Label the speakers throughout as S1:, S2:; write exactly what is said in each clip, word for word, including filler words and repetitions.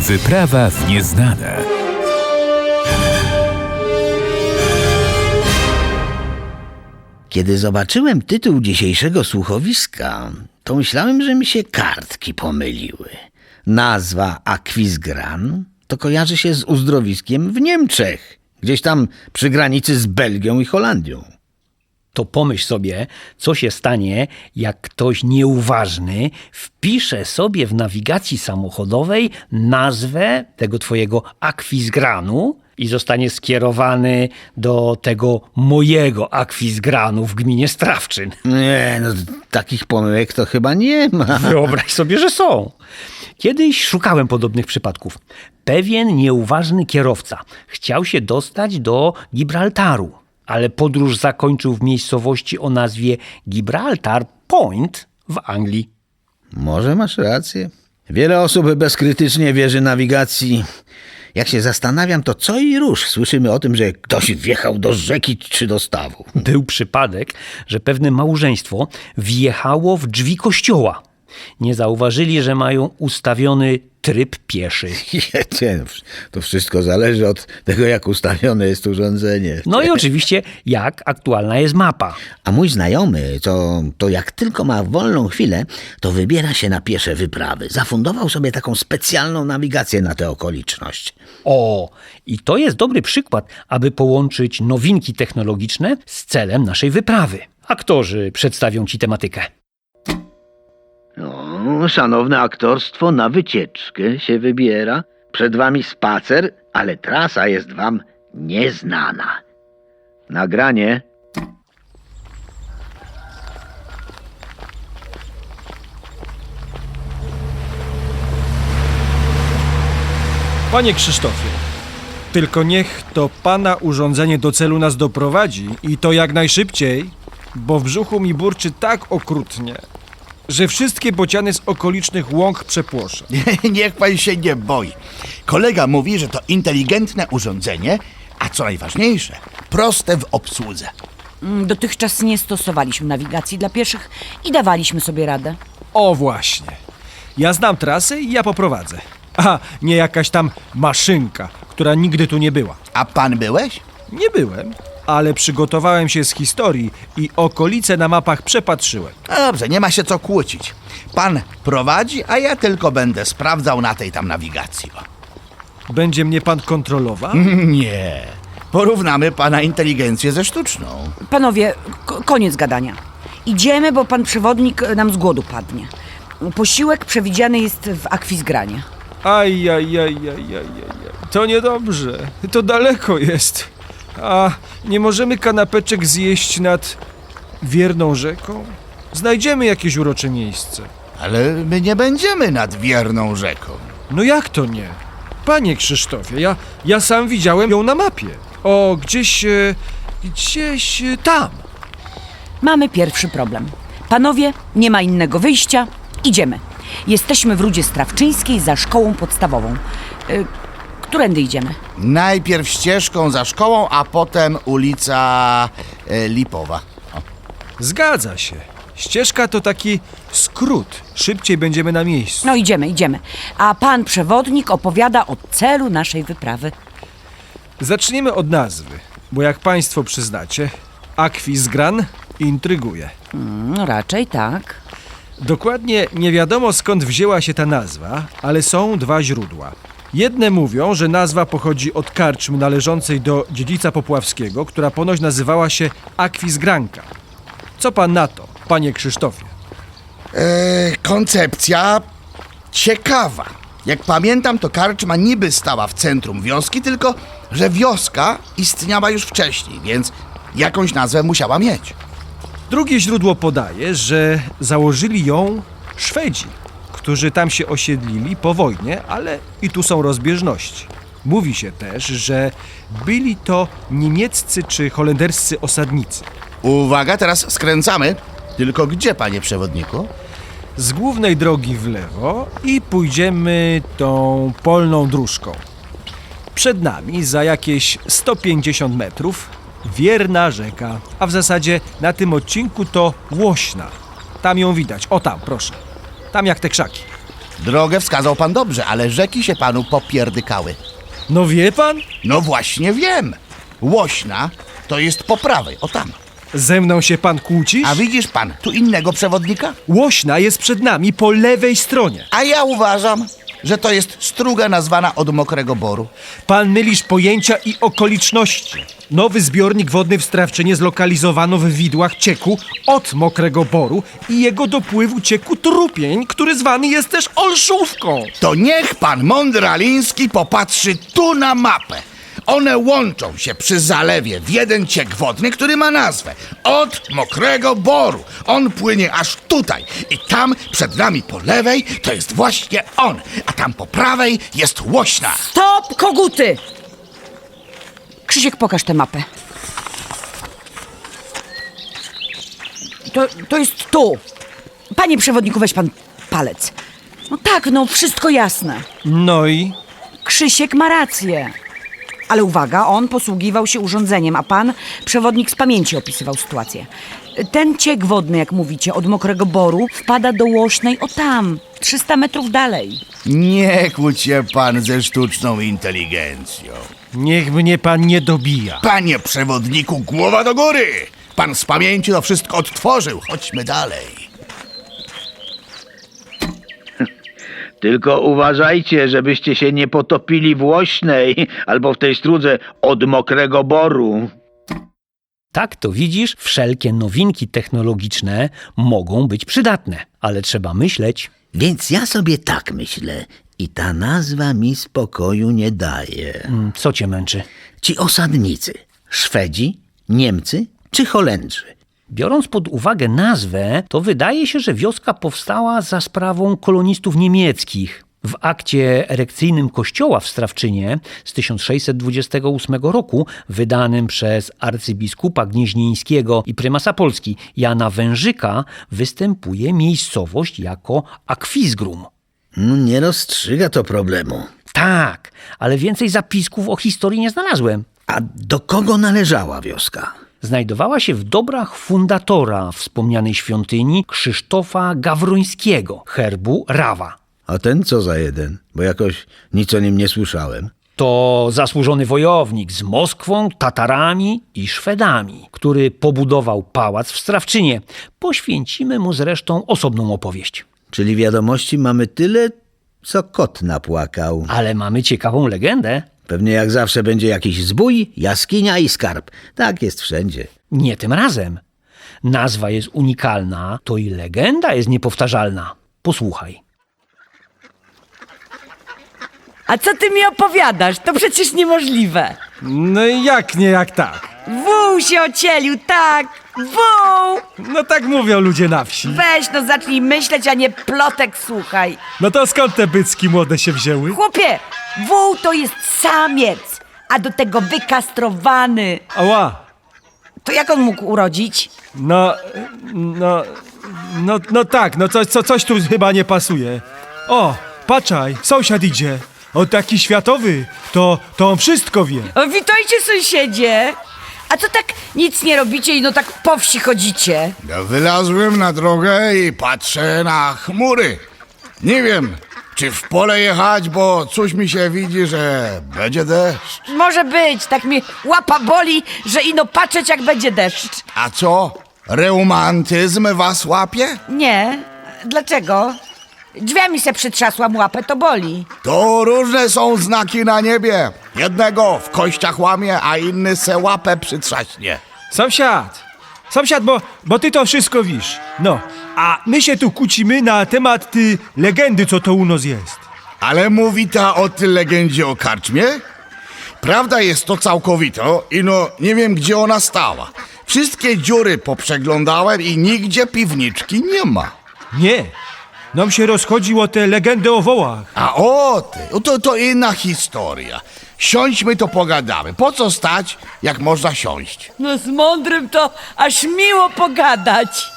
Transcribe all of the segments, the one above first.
S1: Wyprawa w nieznane.
S2: Kiedy zobaczyłem tytuł dzisiejszego słuchowiska, to myślałem, że mi się kartki pomyliły. Nazwa Aquisgrán to kojarzy się z uzdrowiskiem w Niemczech, gdzieś tam przy granicy z Belgią i Holandią.
S3: To pomyśl sobie, co się stanie, jak ktoś nieuważny wpisze sobie w nawigacji samochodowej nazwę tego twojego Aquisgranu i zostanie skierowany do tego mojego Aquisgranu w gminie Strawczyn.
S2: Nie, no takich pomyłek to chyba nie ma.
S3: Wyobraź sobie, że są. Kiedyś szukałem podobnych przypadków. Pewien nieuważny kierowca chciał się dostać do Gibraltaru, ale podróż zakończył w miejscowości o nazwie Gibraltar Point w Anglii.
S2: Może masz rację. Wiele osób bezkrytycznie wierzy nawigacji. Jak się zastanawiam, to co i róż słyszymy o tym, że ktoś wjechał do rzeki czy do stawu.
S3: Był przypadek, że pewne małżeństwo wjechało w drzwi kościoła. Nie zauważyli, że mają ustawiony tryb pieszy.
S2: To wszystko zależy od tego, jak ustawione jest urządzenie.
S3: No i oczywiście, jak aktualna jest mapa.
S2: A mój znajomy, to, to jak tylko ma wolną chwilę, to wybiera się na piesze wyprawy. Zafundował sobie taką specjalną nawigację na tę okoliczność.
S3: O, i to jest dobry przykład, aby połączyć nowinki technologiczne z celem naszej wyprawy. Aktorzy przedstawią ci tematykę.
S2: No, szanowne aktorstwo na wycieczkę się wybiera. Przed wami spacer, ale trasa jest wam nieznana. Nagranie.
S4: Panie Krzysztofie, tylko niech to pana urządzenie do celu nas doprowadzi i to jak najszybciej, bo w brzuchu mi burczy tak okrutnie, że wszystkie bociany z okolicznych łąk przepłoszę.
S5: Niech pan się nie boi. Kolega mówi, że to inteligentne urządzenie, a co najważniejsze, proste w obsłudze.
S6: Dotychczas nie stosowaliśmy nawigacji dla pieszych i dawaliśmy sobie radę.
S4: O właśnie. Ja znam trasy i ja poprowadzę. A nie jakaś tam maszynka, która nigdy tu nie była.
S5: A pan byłeś?
S4: Nie byłem, ale przygotowałem się z historii i okolice na mapach przepatrzyłem.
S5: No dobrze, nie ma się co kłócić. Pan prowadzi, a ja tylko będę sprawdzał na tej tam nawigacji. O.
S4: Będzie mnie pan kontrolował?
S5: Nie. Porównamy pana inteligencję ze sztuczną.
S6: Panowie, k- koniec gadania. Idziemy, bo pan przewodnik nam z głodu padnie. Posiłek przewidziany jest w Aquisgranie.
S4: Aj, aj, aj, aj, aj, aj. To niedobrze. To daleko jest. A nie możemy kanapeczek zjeść nad wierną rzeką? Znajdziemy jakieś urocze miejsce.
S5: Ale my nie będziemy nad wierną rzeką.
S4: No jak to nie? Panie Krzysztofie, ja, ja sam widziałem ją na mapie. O, gdzieś, e, gdzieś e, tam.
S6: Mamy pierwszy problem. Panowie, nie ma innego wyjścia. Idziemy. Jesteśmy w Rudzie Strawczyńskiej za szkołą podstawową. Y, którędy idziemy?
S5: Najpierw ścieżką za szkołą, a potem ulica e, Lipowa. O.
S4: Zgadza się. Ścieżka to taki skrót. Szybciej będziemy na miejscu.
S6: No idziemy, idziemy. A pan przewodnik opowiada o celu naszej wyprawy.
S4: Zaczniemy od nazwy, bo jak państwo przyznacie, Aquisgrán intryguje.
S6: No raczej tak.
S4: Dokładnie nie wiadomo skąd wzięła się ta nazwa, ale są dwa źródła. Jedne mówią, że nazwa pochodzi od karczmy należącej do dziedzica popławskiego, która ponoć nazywała się Aquisgránka. Co pan na to, panie Krzysztofie?
S5: E, koncepcja ciekawa. Jak pamiętam, to karczma niby stała w centrum wioski, tylko że wioska istniała już wcześniej, więc jakąś nazwę musiała mieć.
S4: Drugie źródło podaje, że założyli ją Szwedzi, którzy tam się osiedlili po wojnie, ale i tu są rozbieżności. Mówi się też, że byli to niemieccy czy holenderscy osadnicy.
S5: Uwaga, teraz skręcamy. Tylko gdzie, panie przewodniku?
S4: Z głównej drogi w lewo i pójdziemy tą polną dróżką. Przed nami za jakieś sto pięćdziesiąt metrów wierna rzeka, a w zasadzie na tym odcinku to Łośna. Tam ją widać, o tam, proszę. Tam jak te krzaki.
S5: Drogę wskazał pan dobrze, ale rzeki się panu popierdykały.
S4: No wie pan?
S5: No właśnie wiem. Łośna to jest po prawej, o tam.
S4: Ze mną się pan kłócisz?
S5: A widzisz pan tu innego przewodnika?
S4: Łośna jest przed nami po lewej stronie.
S5: A ja uważam, że to jest struga nazwana od Mokrego Boru.
S4: Pan mylisz pojęcia i okoliczności. Nowy zbiornik wodny w Strawczynie zlokalizowano w widłach cieku od Mokrego Boru i jego dopływu cieku Trupień, który zwany jest też Olszówką.
S5: To niech pan Mądraliński popatrzy tu na mapę. One łączą się przy zalewie w jeden ciek wodny, który ma nazwę od Mokrego Boru. On płynie aż tutaj i tam przed nami po lewej to jest właśnie on, a tam po prawej jest Łośna.
S6: Stop, koguty! Krzysiek, pokaż tę mapę. To, to jest tu. Panie przewodniku, weź pan palec. No tak, no wszystko jasne.
S4: No i?
S6: Krzysiek ma rację. Ale uwaga, on posługiwał się urządzeniem, a pan, przewodnik, z pamięci opisywał sytuację. Ten ciek wodny, jak mówicie, od Mokrego Boru wpada do Łośnej o tam, trzysta metrów dalej.
S5: Nie kłóć się pan ze sztuczną inteligencją.
S4: Niech mnie pan nie dobija.
S5: Panie przewodniku, głowa do góry! Pan z pamięci to wszystko odtworzył. Chodźmy dalej.
S2: Tylko uważajcie, żebyście się nie potopili w Łośnej albo w tej strudze od Mokrego Boru.
S3: Tak to widzisz, wszelkie nowinki technologiczne mogą być przydatne, ale trzeba myśleć.
S2: Więc ja sobie tak myślę i ta nazwa mi spokoju nie daje.
S3: Mm, Co cię męczy?
S2: Ci osadnicy, Szwedzi, Niemcy czy Holendrzy?
S3: Biorąc pod uwagę nazwę, to wydaje się, że wioska powstała za sprawą kolonistów niemieckich. W akcie erekcyjnym kościoła w Strawczynie z tysiąc sześćset dwudziestego ósmego roku, wydanym przez arcybiskupa gnieźnieńskiego i prymasa Polski Jana Wężyka, występuje miejscowość jako Akwizgrum.
S2: No, nie rozstrzyga to problemu.
S3: Tak, ale więcej zapisków o historii nie znalazłem.
S2: A do kogo należała wioska?
S3: Znajdowała się w dobrach fundatora wspomnianej świątyni Krzysztofa Gawrońskiego, herbu Rawa.
S2: A ten co za jeden? Bo jakoś nic o nim nie słyszałem.
S3: To zasłużony wojownik z Moskwą, Tatarami i Szwedami, który pobudował pałac w Strawczynie. Poświęcimy mu zresztą osobną opowieść.
S2: Czyli wiadomości mamy tyle, co kot napłakał.
S3: Ale mamy ciekawą legendę.
S2: Pewnie jak zawsze będzie jakiś zbój, jaskinia i skarb. Tak jest wszędzie.
S3: Nie tym razem. Nazwa jest unikalna, to i legenda jest niepowtarzalna. Posłuchaj.
S6: A co ty mi opowiadasz? To przecież niemożliwe.
S4: No i jak nie jak tak?
S6: Wół się ocielił, tak, wół!
S4: No tak mówią ludzie na wsi.
S6: Weź no zacznij myśleć, a nie plotek słuchaj.
S4: No to skąd te bycki młode się wzięły?
S6: Chłopie, wół to jest samiec, a do tego wykastrowany.
S4: Ała.
S6: To jak on mógł urodzić?
S4: No, no, no, no tak, no coś, co, coś tu chyba nie pasuje. O, patrzaj, sąsiad idzie. O, taki światowy, to, to on wszystko wie.
S6: O, witajcie sąsiedzie. A co tak nic nie robicie i no tak po wsi chodzicie?
S5: Ja wylazłem na drogę i patrzę na chmury. Nie wiem, czy w pole jechać, bo coś mi się widzi, że będzie deszcz.
S6: Może być, tak mi łapa boli, że ino patrzeć jak będzie deszcz.
S5: A co? Reumatyzm was łapie?
S6: Nie, dlaczego? Drzwiami se przytrzasłam łapę, to boli.
S5: To różne są znaki na niebie. Jednego w kościach łamie, a inny se łapę przytrzaśnie.
S4: Sąsiad, sąsiad, bo, bo ty to wszystko wiesz. No, a my się tu kłócimy na temat ty legendy, co to u nas jest.
S5: Ale mówi ta o tej legendzie o karczmie? Prawda jest to całkowito i no nie wiem, gdzie ona stała. Wszystkie dziury poprzeglądałem i nigdzie piwniczki nie ma.
S4: Nie, nam się rozchodziło o tę legendę o wołach.
S5: A o ty, o to, to inna historia. Siądźmy to pogadamy. Po co stać, jak można siąść?
S6: No z mądrym to aż miło pogadać.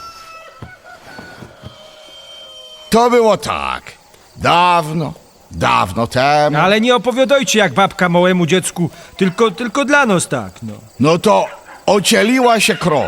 S5: To było tak. Dawno, dawno temu.
S4: Ale nie opowiadajcie jak babka małemu dziecku, tylko, tylko dla nas tak, no.
S5: No to ocieliła się krowa.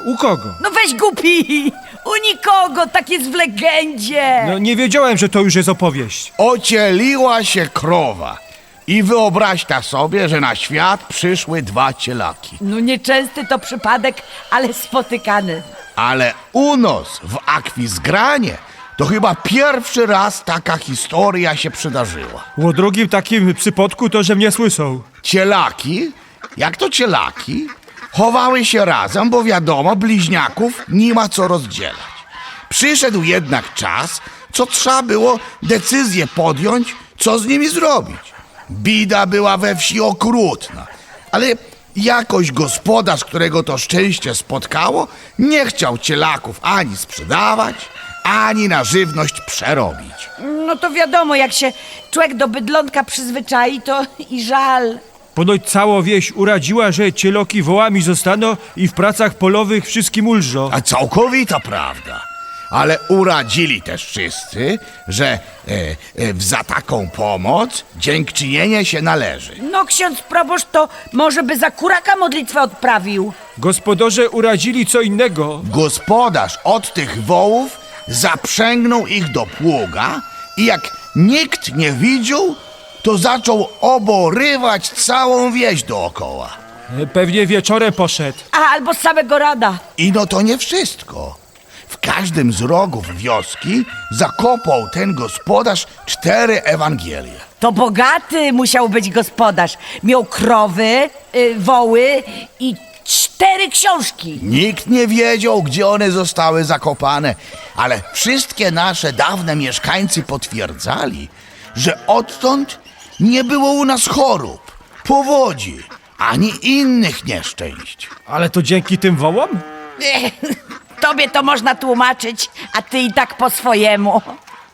S4: U kogo?
S6: No weź głupi! U nikogo, tak jest w legendzie!
S4: No nie wiedziałem, że to już jest opowieść.
S5: Ocieliła się krowa. I wyobraź ta sobie, że na świat przyszły dwa cielaki.
S6: No nieczęsty to przypadek, ale spotykany.
S5: Ale u nas w Akwizgranie to chyba pierwszy raz taka historia się przydarzyła.
S4: O drugim takim przypadku to, że mnie słyszą.
S5: Cielaki, jak to cielaki, chowały się razem, bo wiadomo, bliźniaków nie ma co rozdzielać. Przyszedł jednak czas, co trzeba było decyzję podjąć, co z nimi zrobić. Bida była we wsi okrutna, ale jakoś gospodarz, którego to szczęście spotkało, nie chciał cielaków ani sprzedawać, ani na żywność przerobić.
S6: No to wiadomo, jak się człowiek do bydlątka przyzwyczai, to i żal.
S4: Ponoć cała wieś uradziła, że cieloki wołami zostaną i w pracach polowych wszystkim ulżą.
S5: A całkowita prawda. Ale uradzili też wszyscy, że e, e, za taką pomoc dziękczynienie się należy.
S6: No ksiądz proboszcz to może by za kuraka modlitwę odprawił.
S4: Gospodarze uradzili co innego.
S5: Gospodarz od tych wołów zaprzęgnął ich do pługa i jak nikt nie widział, to zaczął oborywać całą wieś dookoła.
S4: Pewnie wieczorem poszedł.
S6: A albo z samego rada.
S5: I no to nie wszystko. W każdym z rogów wioski zakopał ten gospodarz cztery Ewangelie.
S6: To bogaty musiał być gospodarz. Miał krowy, y, woły i cztery książki.
S5: Nikt nie wiedział, gdzie one zostały zakopane, ale wszystkie nasze dawne mieszkańcy potwierdzali, że odtąd nie było u nas chorób, powodzi, ani innych nieszczęść.
S4: Ale to dzięki tym wołom?
S6: Ech, tobie to można tłumaczyć, a ty i tak po swojemu.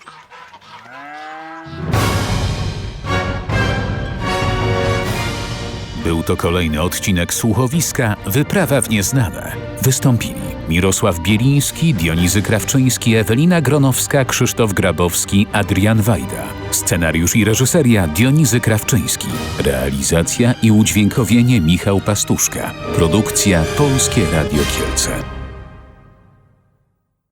S1: Był to kolejny odcinek słuchowiska Wyprawa w nieznane. Wystąpili Mirosław Bieliński, Dionizy Krawczyński, Ewelina Gronowska, Krzysztof Grabowski, Adrian Wajda. Scenariusz i reżyseria Dionizy Krawczyński. Realizacja i udźwiękowienie Michał Pastuszka. Produkcja Polskie Radio Kielce.